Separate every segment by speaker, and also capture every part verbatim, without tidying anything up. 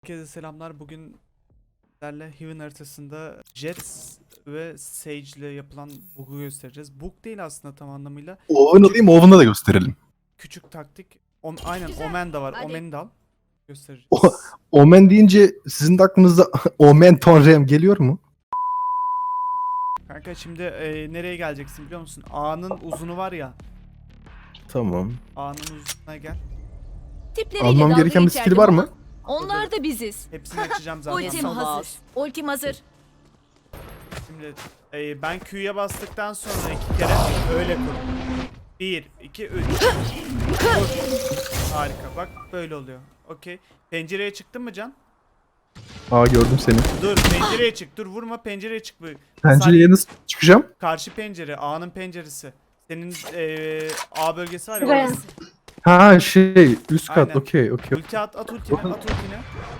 Speaker 1: Herkese selamlar. Bugün sizlerle Heaven haritasında Jets ve Sage ile yapılan bug'u göstereceğiz. Bug değil aslında tam anlamıyla.
Speaker 2: Oven alayım, Oven'da da gösterelim.
Speaker 1: Küçük taktik. O, aynen Omen da var.
Speaker 3: Hadi.
Speaker 1: Omen'i de al. Göstereceğiz.
Speaker 2: O- Omen deyince sizin de aklınıza Omen Tonrem geliyor mu?
Speaker 1: Kanka şimdi e, nereye geleceksin biliyor musun? A'nın uzunu var ya.
Speaker 2: Tamam.
Speaker 1: A'nın uzununa gel.
Speaker 3: Tipleriyle
Speaker 2: Almam
Speaker 3: dalga
Speaker 2: gereken bir skill
Speaker 3: geçerdim
Speaker 2: var
Speaker 3: ama
Speaker 2: mı?
Speaker 3: Onlar da biziz.
Speaker 1: Hepsini açacağım zaten.
Speaker 3: Ultim hazır. Ultim hazır.
Speaker 1: Şimdi e, ben Q'ya bastıktan sonra iki kere öyle kur. Bir, iki, üç. Kur. Harika. Bak böyle oluyor. Okey. Pencereye çıktın mı Can?
Speaker 2: Aa, gördüm seni.
Speaker 1: Dur pencereye çık. Dur vurma pencereye çık. Bu.
Speaker 2: Pencereye nasıl çıkacağım?
Speaker 1: Karşı pencere. A'nın penceresi. Senin eee, A bölgesi var ya.
Speaker 4: Şuraya.
Speaker 1: orası.
Speaker 2: Ha şey, üst kat.
Speaker 1: Aynen.
Speaker 2: Okey, okey.
Speaker 1: Ulti at, at ultini, at ultini.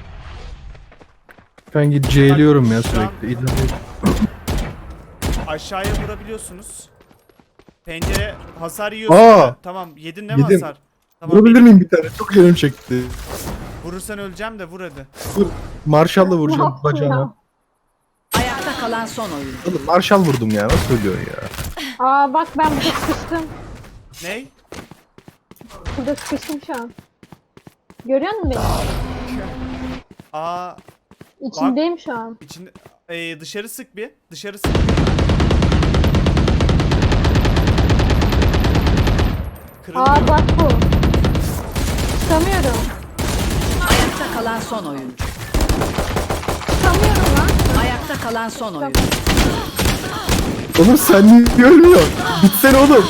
Speaker 2: Ben gidip C'liyorum ya
Speaker 1: Şu an-
Speaker 2: sürekli. İlerliyorum.
Speaker 1: Aşağıya vurabiliyorsunuz. Pencere hasar yiyorsun.
Speaker 2: Aa!
Speaker 1: ya. Tamam yedin değil mi
Speaker 2: Yedim.
Speaker 1: hasar? Tamam,
Speaker 2: Vurabilir
Speaker 1: bir-
Speaker 2: miyim bir tane? Çok canım çekti.
Speaker 1: Vurursan öleceğim de vur hadi.
Speaker 2: Marshall'la
Speaker 4: Ne
Speaker 2: vuracağım
Speaker 4: yaptın
Speaker 2: bacağına.
Speaker 4: ya?
Speaker 3: Ayakta kalan son oyun.
Speaker 2: Oğlum Marshall vurdum ya. Nasıl söylüyor ya?
Speaker 4: Aa bak ben burada sıkıştım.
Speaker 1: Ney?
Speaker 4: Burada sıkıştım şu an. Görüyor musun beni?
Speaker 1: A
Speaker 4: İçindeyim şu an.
Speaker 1: içinde eee, dışarı sık bir. Dışarı sık. Kırıldı
Speaker 4: Aa
Speaker 1: mı?
Speaker 4: bak bu. Çıkamıyorum.
Speaker 3: Ayakta kalan son oyun.
Speaker 4: Çıkamıyorum lan.
Speaker 3: Ayakta kalan son oyun.
Speaker 2: Oğlum sen niye ölmüyorsun? Bitsene oğlum.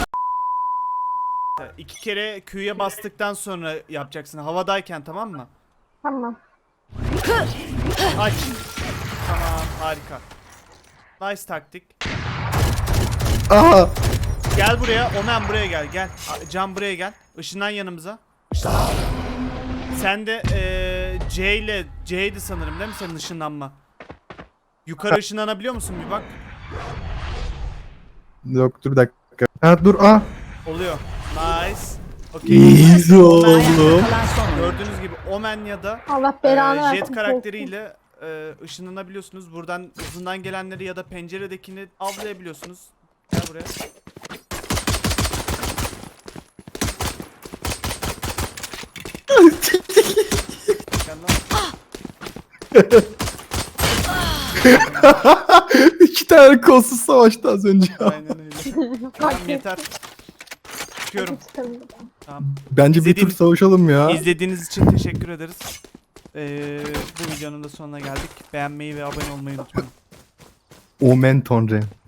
Speaker 1: İki kere Q'ya bastıktan sonra yapacaksın. Havadayken tamam mı?
Speaker 4: Tamam.
Speaker 1: Aç. Tamam harika. Nice taktik.
Speaker 2: Aha.
Speaker 1: Gel buraya. Omen buraya gel. Gel. A- Can buraya gel. Işından yanımıza. Işından. Sen de eee C ile C'ydi sanırım değil mi senin ışınlanma? Yukarı ışınlanabiliyor musun bir bak.
Speaker 2: Yok dur bir dakika. Ha dur ah.
Speaker 1: Oluyor. Nice. Okey.
Speaker 2: Easy oğlum.
Speaker 3: Ayakta kalan son oyun.
Speaker 1: Gördüğünüz gibi Omen ya da
Speaker 4: Allah
Speaker 1: eee,
Speaker 4: belanı versin.
Speaker 1: Jet karakteriyle eee, ışınlanabiliyorsunuz. Buradan uzundan gelenleri ya da penceredekini avlayabiliyorsunuz. Gel buraya. Gel lan.
Speaker 2: İki tane kolsuz savaştı az önce.
Speaker 1: Aynen öyle. Tamam yeter. Çıkıyorum.
Speaker 4: Çıkamıyorum.
Speaker 1: Tamam.
Speaker 2: Bence bir tur
Speaker 1: İzlediğiniz-
Speaker 2: savaşalım ya.
Speaker 1: İzlediğiniz için teşekkür ederiz. Ee, bu videonun da sonuna geldik. Beğenmeyi ve abone olmayı unutmayın.
Speaker 2: Omen Tonrem.